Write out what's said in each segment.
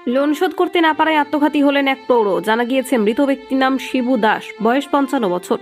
Loan শোধ করতে না পারায় আত্মঘাতী হলেন এক প্রৌঢ়। জানা গিয়েছে মৃত ব্যক্তির নাম শিবু দাস, বয়স 55 বছর।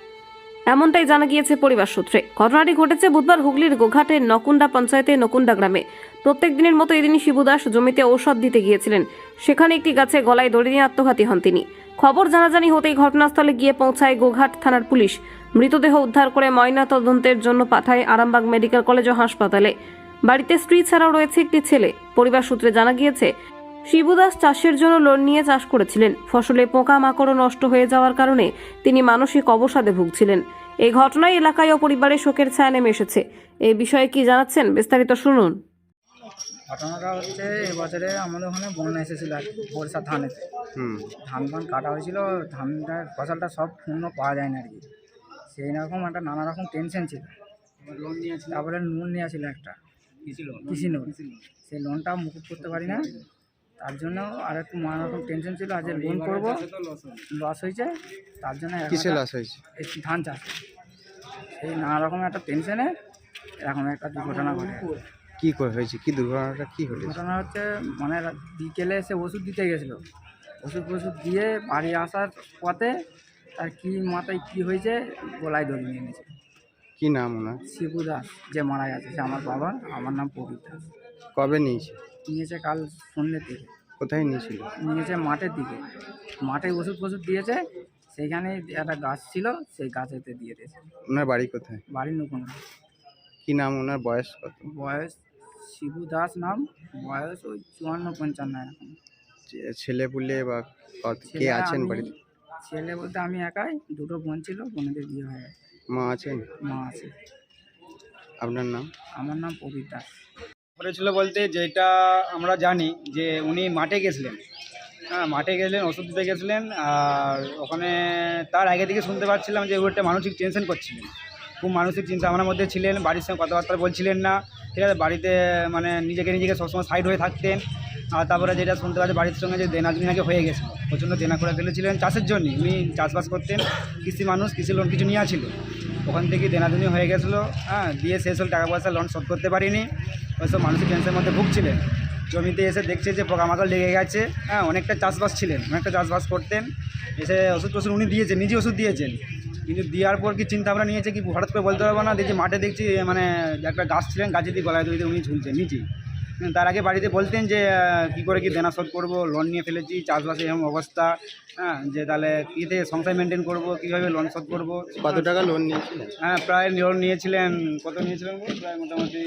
এমনটাই জানা গিয়েছে পরিবার সূত্রে। ঘটনাটি ঘটেছে বুধবার হুগলির গোঘাটের নকুন্ডা পঞ্চায়েতের নকুন্ডা গ্রামে। প্রত্যেক দিনের মতো এদিনই শিবু দাস জমিতে ঔষধ দিতে গিয়েছিলেন। সেখানে একটি গাছে গলায় দড়ি নিয়ে আত্মঘাতী হন তিনি। খবর জানাজানি হতেই ঘটনাস্থলে গিয়ে পৌঁছায় গোঘাট থানার পুলিশ। মৃতদেহ উদ্ধার করে ময়না তদন্তের জন্য পাঠায় আরামবাগ মেডিকেল কলেজ ও হাসপাতালে। বাড়িতে স্ত্রী ছাড়াও রয়েছে একটি ছেলে। পরিবার সূত্রে জানা গিয়েছে শিবু দাস চাষের জন্য লোন নিয়ে চাষ করেছিলেন। ফসলে পোকা মাকড় নষ্ট হয়ে যাওয়ার কারণে তিনি মানসিক অবসাদে ভুগছিলেন। এই ঘটনায় এলাকায় ও পরিবারে শোকের ছায়া নেমে এসেছে। এই বিষয়ে কি জানাচ্ছেন বিস্তারিত শুনুন। ঘটনাটা হচ্ছে এবছরে আমাদের ওখানে বন্যা এসেছিল আর কি, বর্ষা ধানেতে। ধান কাটা হয়েছিল, ধানটার ফসলটা সব পূর্ণ পাওয়া যায় না আর কি। সেই রকম একটা নানা রকম টেনশন ছিল। লোন নিয়েছিল, তারপরে লোন নিয়েছিল একটা কৃষি লোন। সেই লোনটা মুকুব করতে পারি না, তার জন্য আর একটু নানা রকম টেনশন ছিল। আজ লোন করবো, লস হয়েছে, তার জন্য কিসে লস হয়েছে? ধান চাষ। সেই নানা রকম একটা টেনশনে এখন একটা দুর্ঘটনা ঘটে। কি করে হয়েছে? কি দুর্ঘটনাটা কি হয়েছে? ঘটনা হচ্ছে মানে বিকেলে এসে ওষুধ দিতে গেছিলো। ওষুধ দিয়ে বাড়ি আসার পথে তার কি মাথায় কি হয়েছে, গলায় দড়ি নিয়ে নিয়েছে। কি নাম ওনার? শিবু দাস, যে মারা গেছে সে আমার বাবা। আমার নাম প্রবীর দাস। কবে নিয়েছে? নিয়েছে কাল সন্ধ্যের দিকে। কোথায় নিয়েছিল? নিয়েছে মাঠের দিকে। মাঠে ওষুধ দিয়েছে, সেইখানে একটা গাছ ছিল, সেই গাছেতে দিয়ে দিয়েছে। ওনার বাড়ি কোথায়? বাড়ির নতুন। কি নাম ওনার? বয়স কত? বয়স শিবু দাস নাম, বয়স ওই 54-55 এরকম। ছেলে পুলে বা কে আছেন বাড়িতে? ছেলে বলতে আমি একাই, দুটো বোন ছিল, বোনদের বিয়ে হয়ে গেছে। মা আছেন? মা আছে। আপনার নাম? আমার নাম প্রবীর দাস। করেছিল বলতে যেটা আমরা জানি যে উনি মাঠে গেছিলেন। হ্যাঁ, মাঠে গেলেন, ওষুধ দিতে গেছিলেন। আর ওখানে তার আগে থেকে শুনতে পাচ্ছিলাম যে ওটা মানসিক টেনশন করছিলেন, খুব মানসিক চিন্তা ভাবনার মধ্যে ছিলেন। বাড়ির সঙ্গে কথাবার্তা বলছিলেন না, ঠিক আছে। বাড়িতে মানে নিজেকে সবসময় সাইড হয়ে থাকতেন। আর তারপরে যেটা শুনতে পাচ্ছি, বাড়ির সঙ্গে যে দেনাদুনি নাকি হয়ে গেছে, প্রচণ্ড দেনা করে ফেলেছিলেন চাষের জন্য। উনি চাষবাস করতেন, কৃষি মানুষ, কৃষি লোন কিছু নেওয়া ছিল, ওখান থেকে দেনাদুনি হয়ে গেছিলো। হ্যাঁ, দিয়ে শেষ হল, টাকা পয়সা লোন শোধ করতে পারিনি। ওইসব মানসিক টেনশনের মধ্যে ভুগছিলেন। জমিতে এসে দেখছে যে পোকামাকড় লেগে গেছে। হ্যাঁ, অনেকটা চাষবাস করতেন। এসে ওষুধ উনি দিয়েছেন, নিজে ওষুধ দিয়েছেন। কিন্তু দেওয়ার পর কি চিন্তা ভাবনা নিয়েছে কি হঠাৎ করে বলতে পারবো না। দেখছি মাঠে দেখছি মানে একটা গাছ ছিলেন, গাছে দিয়ে গলায় দড়িতে উনি ঝুলছেন নিজেই। তার আগে বাড়িতে বলতেন যে কী করে কি দেনা শোধ করবো, লোন নিয়ে ফেলেছি, চাষবাসে এরকম অবস্থা। হ্যাঁ, যে তাহলে কী থেকে সংসার মেনটেন করবো, কীভাবে লোন শোধ করবো। কত টাকা লোন নিয়েছিলেন? হ্যাঁ, প্রায় লোন নিয়েছিলেন। কত নিয়েছিলেন? প্রায় মোটামুটি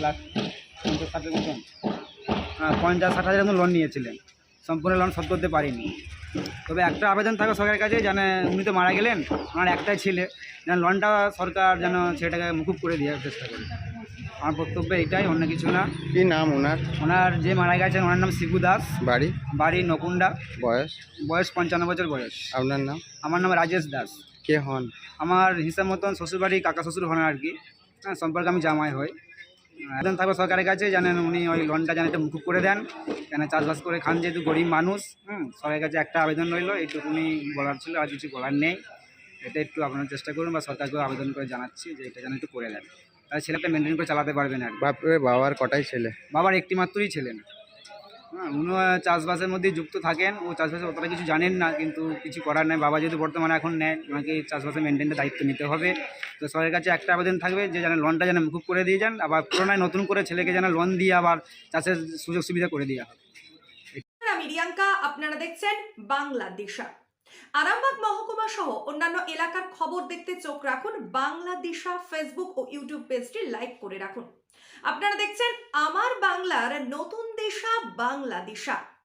50-60 মতন। হ্যাঁ, 50-60 হাজার মতন লোন নিয়েছিলেন। সম্পূর্ণ লোন শোধ করতে পারিনি। তবে একটা আবেদন থাকবে সরকারের কাছে, যেন উনি তো মারা গেলেন, ওনার একটাই ছেলে, যেন লোনটা সরকার যেন ছেলেটাকে মুকুব করে দেওয়ার চেষ্টা করে। আমার বক্তব্য এটাই, অন্য কিছু না। কি নাম ওনার? ওনার যে মারা গেছেন ওনার নাম শিবু দাস। বাড়ি নকুন্ডা। বয়স 55 বছর বয়স। আপনার নাম? আমার নাম রাজেশ দাস। কে হন? আমার হিসাব মতন শ্বশুরবাড়ি কাকা শ্বশুর হন আর কি। হ্যাঁ, সম্পর্কে আমি জামাই হই। আবেদন থাকবে সরকারের কাছে, জানেন উনি ওই লোনটা যেন একটু মুকুব করে দেন, কেন চাষবাস করে খান, যেহেতু গরিব মানুষ। সরকারের কাছে একটা আবেদন রইল, এইটুকুনি বলার ছিল, আর কিছু বলার নেই। এটা একটু আপনারা চেষ্টা করুন, বা সরকারকেও আবেদন করে জানাচ্ছি যে এটা যেন একটু করে দেন, তাহলে ছেলেটা মেনটেন করে চালাতে পারবেন আর কি। বাবার কটাই ছেলে? বাবার একটি মাত্রই ছিলেন। হ্যাঁ, উনিও চাষবাসের মধ্যেই যুক্ত থাকেন। ও চাষবাসে অতটা কিছু জানেন না, কিন্তু কিছু করার নেই। বাবা যেহেতু বর্তমানে এখন নেন, ওনাকে চাষবাসের মেনটেনের দায়িত্ব নিতে হবে। তো সরকারের কাছে একটা আবেদন থাকবে যে যেন লোনটা যেন মুকুব করে দিয়ে যান, আবার পুরোনায় নতুন করে ছেলেকে যেন লোন দিয়ে আবার চাষের সুযোগ সুবিধা করে দেওয়া হবে। আমি রিয়াঙ্কা, আপনারা দেখছেন বাংলাদিশা। আরামবাগ মহকুমা সহ অন্যান্য এলাকার খবর দেখতে চোখ রাখুন বাংলাদিশা ফেসবুক ও ইউটিউব পেজটি লাইক করে রাখুন। আপনারা দেখছেন আমার বাংলার নতুন দিশা, বাংলাদিশা।